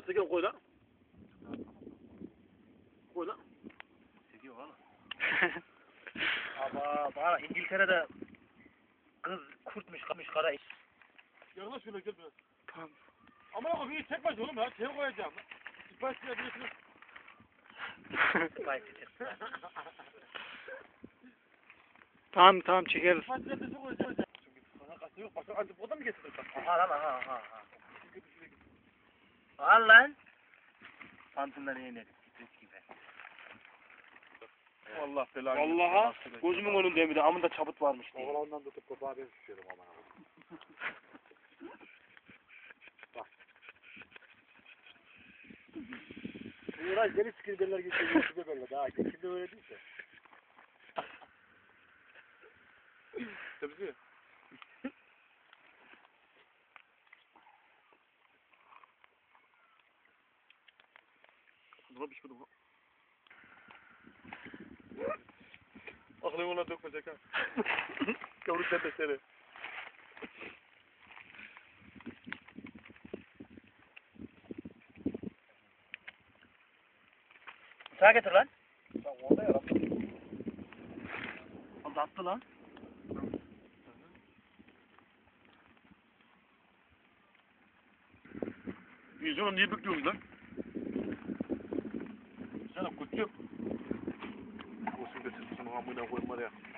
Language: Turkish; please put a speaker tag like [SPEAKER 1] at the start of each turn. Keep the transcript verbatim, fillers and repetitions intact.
[SPEAKER 1] Sekiyor koy lan. Koy lan.
[SPEAKER 2] Sekiyor valla. Ama bana İngiltere'de kız kurtmuş kamış kara iş.
[SPEAKER 1] Yaklaş şöyle gel biraz.
[SPEAKER 3] Tamam.
[SPEAKER 1] Ama bak bir tek baş oğlum ya. Şey koyacağım. Sipariş verebilirsiniz.
[SPEAKER 3] Tamam tamam çekeriz.
[SPEAKER 1] Sipariş verebilirsiniz koyacağım. Çünkü sana kasa yok. Başka antipoda mı getirdin?
[SPEAKER 2] Aha lan aha aha aha. Al lan. Pantolonları yenir. Stres gibi.
[SPEAKER 1] Allah belanı.
[SPEAKER 2] Vallaha gözümün önünde bir de amında çabut varmış diye.
[SPEAKER 1] Oğlandan tutup kopağı ben şişiyorum ama. Uğraş deli sikirdeler geçiyor. Size böyle daha. Kimde öyle değilse. Tabii. Buna pişmedi bu. Aklını ona dökmeyecek ha. Yavru tepesleri.
[SPEAKER 2] Sağa getir lan.
[SPEAKER 1] Sen orada ya.
[SPEAKER 2] O da attı lan.
[SPEAKER 1] Yüzünü niye büküyorsun lan? Sana kutu yok. Olsun getirsin amına koyma ya.